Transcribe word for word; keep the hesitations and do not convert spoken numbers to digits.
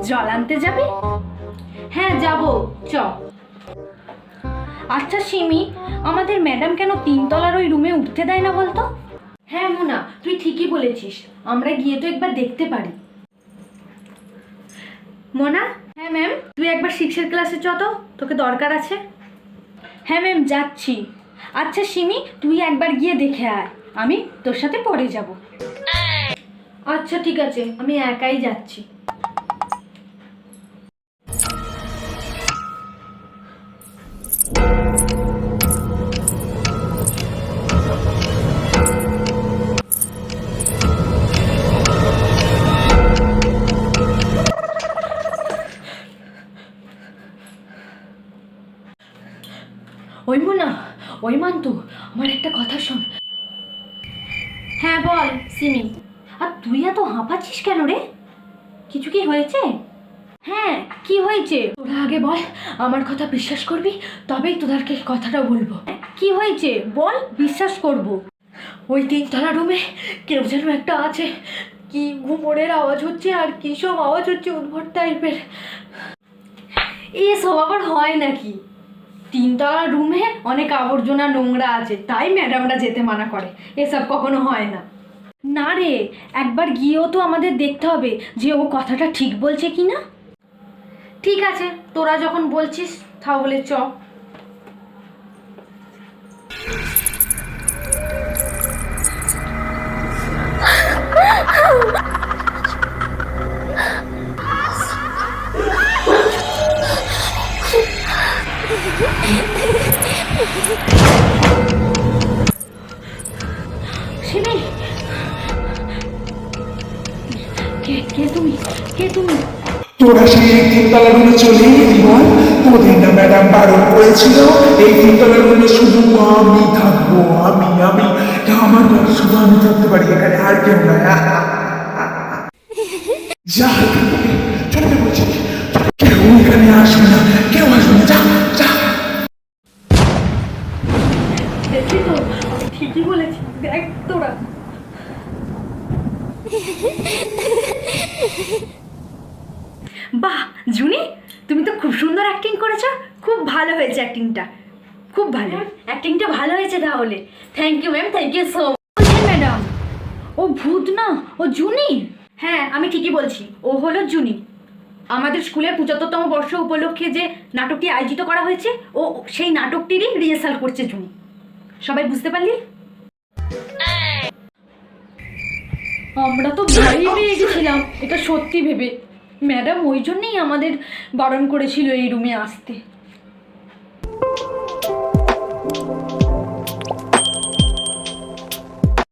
জল আনতে যাবি? হ্যাঁ যাব, চ। আচ্ছা সিমি, আমাদের ম্যাডাম কেন তিনতলার ওই রুমে উঠতে দেয় না বলতো? হ্যাঁ মোনা, তুই ঠিকই বলেছিস, আমরা গিয়ে তো একবার দেখতে পারি। মোনা। হ্যাঁ ম্যাম। তুই একবার সিক্সের ক্লাসে চ তো, তোকে দরকার আছে। হ্যাঁ ম্যাম যাচ্ছি। আচ্ছা সিমি, তুই একবার গিয়ে দেখে আয়, আমি তোর সাথে পরে যাব। আচ্ছা ঠিক আছে, আমি একাই যাচ্ছি। ওই মোনা, ওই মান্তু, আমার একটা কথা শোন। হ্যাঁ বল সিমি। আর তুই এত হাঁপাচ্ছিস কেন রে? কিছু কি হয়েছে? হ্যাঁ কি হয়েছে? তোরা আগে বল, আমার কথা বিশ্বাস করবি তবেই তোদেরকে কথাটা বলবো। কি হয়েছে বল, বিশ্বাস করব। ওই তিনতলা রুমে কেউ যেন একটা আছে, কি ঘুমোরের আওয়াজ হচ্ছে আর কি সব আওয়াজ হচ্ছে উদ্ভট টাইপের। এসব আবার হয় নাকি? তিনতলা রুমে অনেক আবর্জনা নোংরা আছে, তাই ম্যাডামরা যেতে মানা করে, এসব কখনো হয় না। না রে, একবার গিয়েও তো আমাদের দেখতে হবে যে ও কথাটা ঠিক বলছে কি না। ঠিক আছে, তোরা যখন বলছিস তাহলে চ। সিমি, কে কে তুমি? কে তুমি? তোরা সেই তিনতলা রুমে চলে এলি বল? তোদের না ম্যাডাম বারণ করেছিল এই তিনতলা রুমে শুধু আমি থাকবো, আমি আমি আমার ঘরে শুধু আমি থাকতে পারি, এখানে আর কেউ না। যা চলে যা বলছি, কেউ এখানে আসবে না, কেউ আসবে না, যা যা। দেখি তো, আমি ঠিকই বলেছি, দেখ তোরা। বাহ জুনি, তুমি তো খুব সুন্দর অ্যাক্টিং করেছো, খুব ভালো হয়েছে অ্যাক্টিংটা, খুব ভালো অ্যাক্টিংটা ভালো হয়েছে তাহলে। Thank you ma'am, thank you so much madam. ও ভূত না, ও জুনি। হ্যাঁ আমি ঠিকই বলছি, ও হলো জুনি। আমাদের স্কুলের পঁচাত্তরতম বর্ষ উপলক্ষে যে নাটকটি আয়োজিত করা হয়েছে, ও সেই নাটকটিরই রিহার্সাল করছে জুনি। সবাই বুঝতে পারলি? আমরা তো ভয়ই পেয়ে গেছিলাম এটা সত্যি ভেবে, ম্যাডাম ওই জন্যেই আমাদের বারণ করেছিল এই রুমে আসতে।